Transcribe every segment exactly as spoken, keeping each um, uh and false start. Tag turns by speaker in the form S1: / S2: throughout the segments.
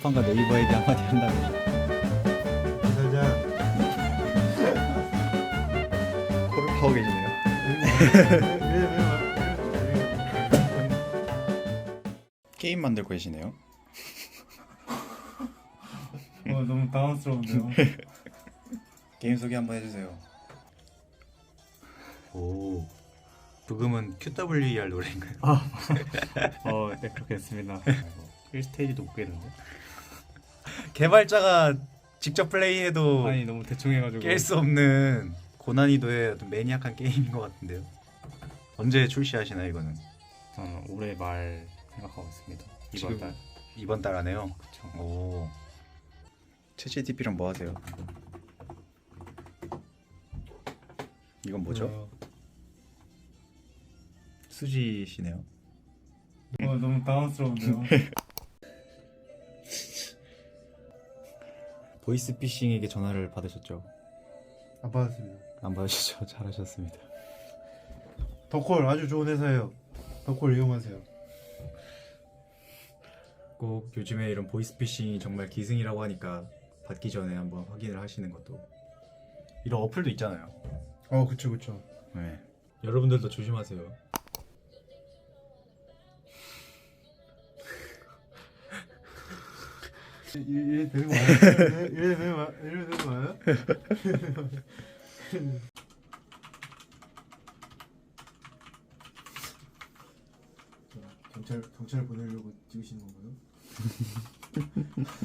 S1: 쿠팡과 네이버에게 한마디 한다면
S2: 살자.
S1: 코를 파고 계시네요. 게임 만들고 계시네요.
S2: 어, 너무 당황스러운데요.
S1: 게임 소개 한번 해주세요. 오, 부금은 큐더블유이알 노래인가요?
S2: 아, 어, 네, 그렇게 했습니다. 일 스테이지도 못 깨는데.
S1: 개발자가 직접 플레이해도
S2: 아니, 너무 대충 해가지고.
S1: 깰 수 없는 고난이도의 어떤 매니악한 게임인 것 같은데요. 언제 출시하시나요 이거는?
S2: 저는 올해 말 생각하고 있습니다. 이번
S1: 지금
S2: 달.
S1: 이번 달 안에요?
S2: 그쵸.
S1: 오. 챗지티피랑 뭐 하세요? 이건 뭐죠?
S2: 어,
S1: 수지시네요.
S2: 어, 너무 당황스러운데요.
S1: 보이스피싱에게 전화를 받으셨죠?
S2: 안 받았습니다.
S1: 안 받으셨죠? 잘하셨습니다.
S2: 덕콜 아주 좋은 회사예요. 덕콜 이용하세요.
S1: 꼭 요즘에 이런 보이스피싱이 정말 기승이라고 하니까 받기 전에 한번 확인을 하시는 것도. 이런 어플도 있잖아요.
S2: 어, 그쵸, 그쵸.
S1: 네. 여러분들도 조심하세요.
S2: 이래 되는 거 맞아요? 이래 되는 거 이래 되는 거 맞아요? 경찰 경찰 보내려고 찍으시는 건가요?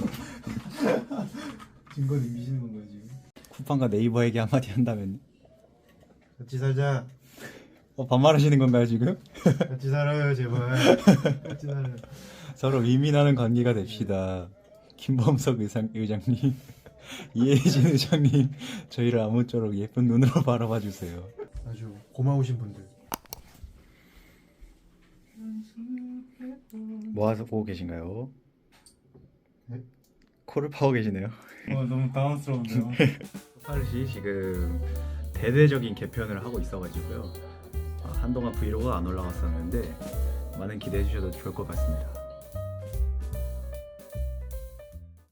S2: 증거 남기시는 건가요 지금?
S1: 쿠팡과 네이버에게 한마디 한다면
S2: 같이 살자.
S1: 어, 반말하시는 건가요 지금?
S2: 같이 살아요 제발. 같이 살아요.
S1: 서로 윈윈하는 관계가 됩시다. 김범석 의상, 의장님, 이혜진 의장님, 저희를 아무쪼록 예쁜 눈으로 바라봐 주세요.
S2: 아주 고마우신 분들.
S1: 뭐 하고 계신가요?
S2: 네?
S1: 코를 파고 계시네요.
S2: 어, 너무 당황스러운데요.
S1: 파르시 지금 대대적인 개편을 하고 있어가지고요. 아, 한동안 브이로그가 안 올라갔었는데 많은 기대해 주셔도 좋을 것 같습니다.